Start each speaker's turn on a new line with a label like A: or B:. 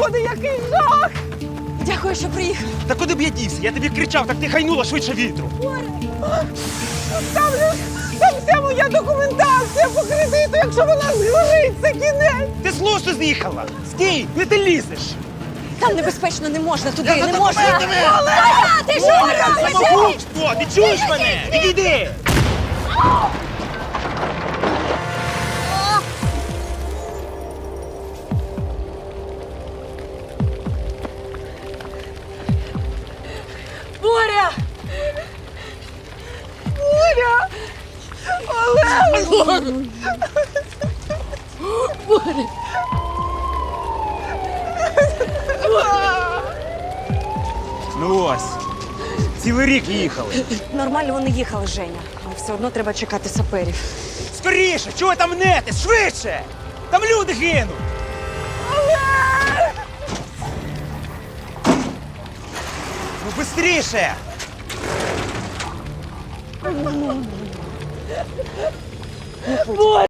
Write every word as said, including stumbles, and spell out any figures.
A: Господи, який жах!
B: Дякую, що приїхав.
C: Та куди б я дівся? Я тобі кричав, так ти хайнула швидше вітру.
A: Там, же- там вся моя документація по кредиту, якщо вона згорить, це кінець!
C: Ти з лосу з'їхала! Стій, не ти лізеш!
B: Там небезпечно, не можна туди,
C: Я за
B: не можна.
C: документами!
B: Оля, ти що робиш?
C: Самогубство! Ти чуєш мене? Відійди!
B: Боря!
A: Боря! Олег!
C: Ну ось, цілий рік їхали.
B: Нормально вони їхали, Женя. Але все одно треба чекати саперів.
C: Скоріше, чого ви там мнете? Швидше! Там люди гинуть! Ну, бистріше!